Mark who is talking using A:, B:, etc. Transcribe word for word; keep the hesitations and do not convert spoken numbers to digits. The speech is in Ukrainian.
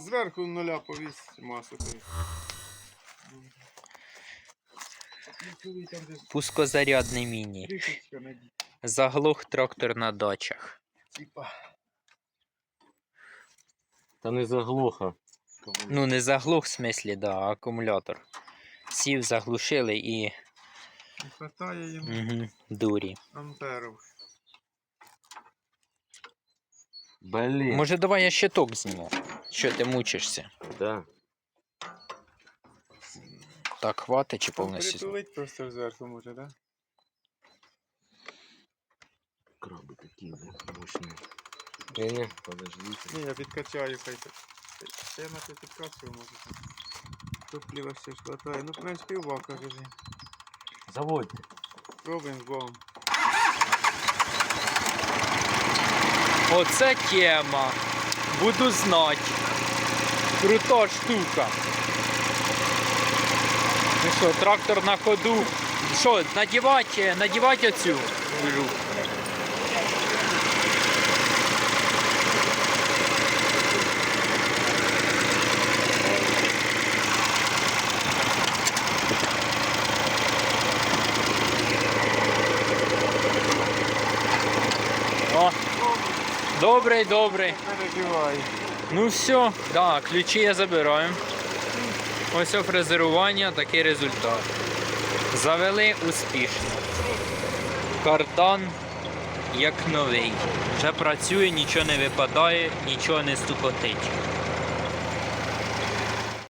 A: Зверху нуля повісь масу.
B: Пускозарядний міні.
A: Кришечка надій.
B: Заглох трактор на дачах.
A: Типа.
C: Та не заглуха.
B: Ну, не заглох в смислі, да, а акумулятор. Сів, заглушили і
A: Не хватає йому
B: угу, дурі.
A: амперів.
C: Блін.
B: Може, давай я щиток зніму. Що ти мучишся?
C: Да.
B: Так, хватить чи
A: Там
B: повністю?
A: притулить просто зверху може, да?
C: Краби такі, да, мощні. Ні-ні, подождите.
A: Ні, я підкачаю, хай так. Це я на це підкачую, може там. Топліва ще ж хватає. Ну, в принципі, в бака вже.
C: Заводьте.
A: Пробуємо з Богом.
B: Оце тема. Буду знати. Крута штука. Ну що, трактор на ходу. Що, надівати, надівати оцю? О, добрий, добрий.
A: Переживай.
B: Ну все, да, ключі я забираю. Ось фрезерування, такий результат. Завели успішно. Кардан як новий. Вже працює, нічого не випадає, нічого не стукотить.